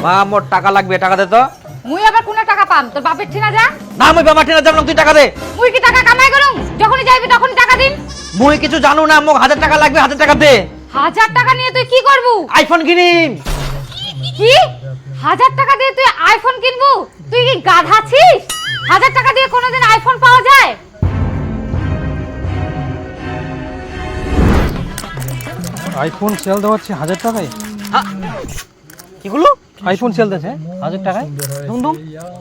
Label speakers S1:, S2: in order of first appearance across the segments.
S1: মা মোর টাকা লাগবে, টাকা দে তো।
S2: মুই আবার কোন টাকা পাম? তোর বাপের ঠিনা যা।
S1: না মুই বাবা ঠিনা যাব না, তুই টাকা দে।
S2: মুই কি টাকা কামাই করুম? যখনই যাইবি তখনই টাকা দিন।
S1: মুই কিছু জানো না, মোক 1000 টাকা লাগবে, 1000 টাকা দে।
S2: 1000 টাকা নিয়ে তুই কি করবু?
S1: আইফোন কিনিম।
S2: কি 1000 টাকা দিয়ে তুই আইফোন কিনবু? তুই কি গাধা ছিস? 1000 টাকা দিয়ে কোনোদিন আইফোন পাওয়া যায়?
S3: আইফোন সেল দেওয়া হচ্ছে 1000 টাকায়।
S1: কি হলো?
S3: আইফোন সেল দিচ্ছে 1000 টাকায়।
S1: দুম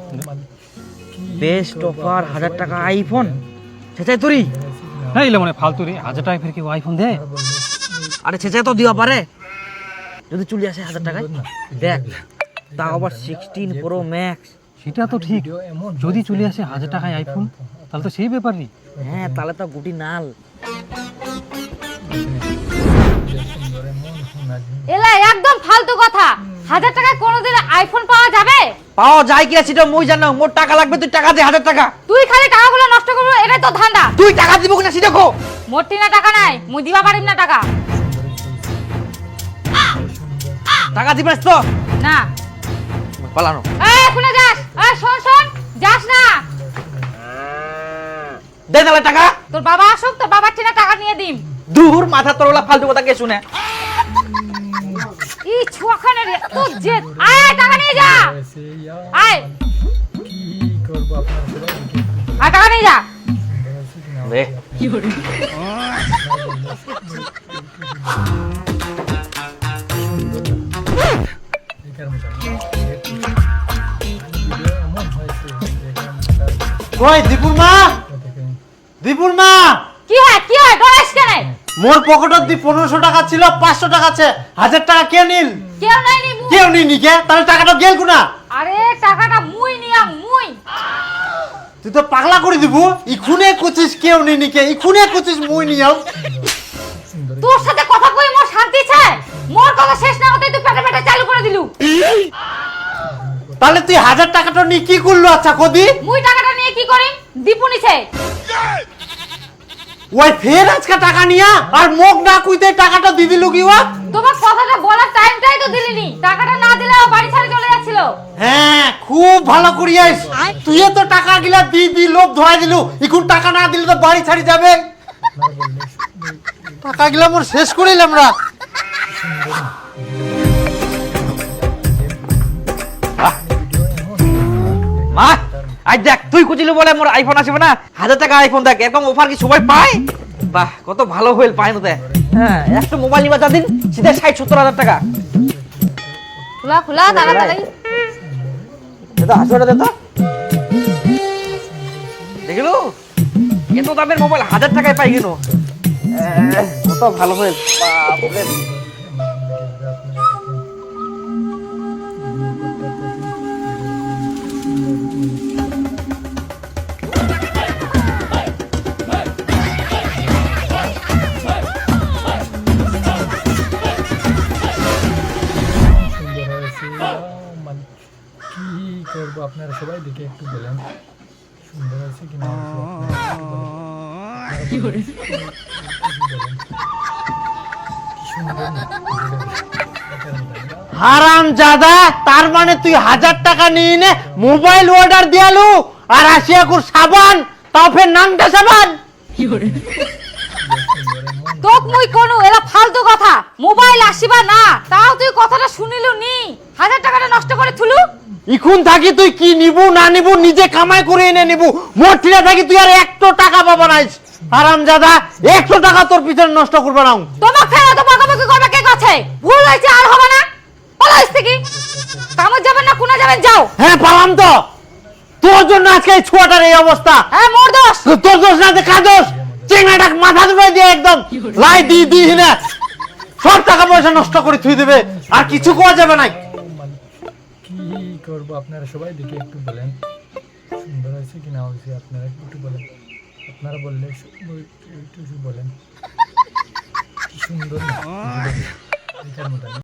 S1: বেস্ট অফার 1000 টাকা আইফোন। ছেচাই তুই
S3: না ইলে মানে ফালতু রে, 1000 টাকায় ফের কি আইফোন দেয়?
S1: আরে ছেচাই তো দিবা পারে যদি চলে আসে 1000 টাকায়। দেখ তাও আবার 16 প্রো ম্যাক্স।
S3: সেটা তো ঠিক, যদি চলে আসে 1000 টাকায় আইফোন তাহলে তো সেই ব্যাপারই।
S1: হ্যাঁ তাহলে তো গুটি নাল।
S2: এলা একদম ফালতু কথা। 1000 টাকায় কোনোদিন আইফোন পাওয়া যাবে?
S1: পাওয়া যায় কিনা সেটা মুই জানো। মোর টাকা লাগবে, তুই টাকা দে 1000 টাকা।
S2: তুই খালি টাকাগুলো নষ্ট করবি, এটাই তো ধান্দা।
S1: তুই টাকা দিব কিনা সেটা কো।
S2: মোর টিনা টাকা নাই, মুই দিবা পারিম না টাকা।
S1: টাকা দিবাস তো
S2: না।
S1: পালানো।
S2: এই কোনে যাস? এই শোন শোন, যাস না।
S1: দে তাহলে টাকা।
S2: তোর বাবা আসুক, তোর বাবার টিনা টাকা নিয়ে দিম।
S1: দূর মাথা তোরলা ফালতু কথা কে শুনে।
S2: ই ছুয়াখানে রে তো যে আয় টাকা নিয়ে যা। আয় আয় টাকা নিয়ে যা।
S1: দে
S4: কই দীপুর মা, দীপুর মা।
S2: কি হয় ডরাইস কেন?
S4: মোর পকেটত দি 1500 টাকা ছিল, 500 টাকা আছে, 1000 টাকা কে নিল?
S2: কেউ নাই নিবু।
S4: কেউ নিনি কে? তাহলে টাকাটা গেল কোনা?
S2: আরে টাকাটা মুই নিয়াম মুই।
S4: তুই তো পাগলা করে দিব। ইখুনে কুচিস কেউ নিনি কে, ইখুনে কুচিস মুই নিয়াম।
S2: তোর সাথে কথা কই মোর শান্তি চাই। মোর কথা শেষ না হতেই তুই পেটে পেটে চালু করে দিলু।
S4: তাহলে তুই 1000 টাকাটা নি কি করলো? আচ্ছা কদি
S2: মুই টাকাটা নিয়ে কি করি? দীপু নিছে।
S4: ওই ফের আজকে টাকা নিয়া আর মোক না কইতে টাকাটা দি দিলু কি ওয়া?
S2: তোমার কথাটা বলার টাইমটাই তো দিলিনি। টাকাটা না দিলে ও বাড়ি ছেড়ে চলে যাচ্ছিল।
S4: হ্যাঁ খুব ভালো করিয়াস। তুই তো টাকা গিলা দি লোভ ধরাই দিলু। এখন টাকা না দিলে তো বাড়ি ছাড়ি যাবে। টাকা গিলা মোর শেষ করিলাম রা।
S1: মা আই দেখ তুই কুচিলি বলে মোর আইফোন আসবে না। 1000 টাকা আইফোন দেখ, এরকম অফার কি সবাই পায়? বাহ কত ভালো হইল পায় না। হ্যাঁ একটা মোবাইল নিবা দিন সিধা 60-70 হাজার টাকা।
S2: খোলা খোলা তাড়াতাড়ি।
S1: দাদা আসলে দাদা দেখিলো এত দামের মোবাইল 1000 টাকায় পাই গেল। কত ভালো হইল। বাপরে
S5: কি করবো আপনারা সবাই দেখে একটু বলেন সুন্দর আছে কি না।
S4: হারাম জাদা, তার মানে তুই 1000 টাকা নিয়ে নে মোবাইল অর্ডার দিয়ালু আর আসিয়া কুর সাবান, তাও ফের নামটা সাবান।
S2: তোক মুই কোন এলা ফালতু কথা। মোবাইল আসিবা না তাও তুই কথাটা শুনিলু নি। 1000 টাকাটা নষ্ট করে থুলু।
S4: ইখুন থাকি তুই কি নিবু না নিবু নিজে কামাই করে এনে নিবু। মোটিরা থাকি তুই আর 100 টাকা পাবা নাইস। হারাম জাদা 100 টাকা তোর পিছনে নষ্ট করবা না।
S2: তোমাক ফেরা তো বকাবকি করবে কে কাছে? ভুল হইছে আর হবে না। পালাইস থেকে কামে যাবেন না কোনা যাবেন যাও।
S4: হ্যাঁ পালাম তো, তোর জন্য আজকে এই ছোয়াটার এই অবস্থা।
S2: হ্যাঁ মোর দোষ।
S4: তোর দোষ না, দেখা দোষ। চেঙ্গাটা মাথা ধরে দিয়ে একদম লাই দি না সব টাকা পয়সা নষ্ট করে থুই দেবে, আর কিছু কোয়া যাবে না।
S5: কি করবো আপনারা সবাই দেখে একটু বলেন সুন্দর আছে কি না হয়েছে। আপনারা একটু বলেন, আপনারা বললে একটু বলেন কি সুন্দর না।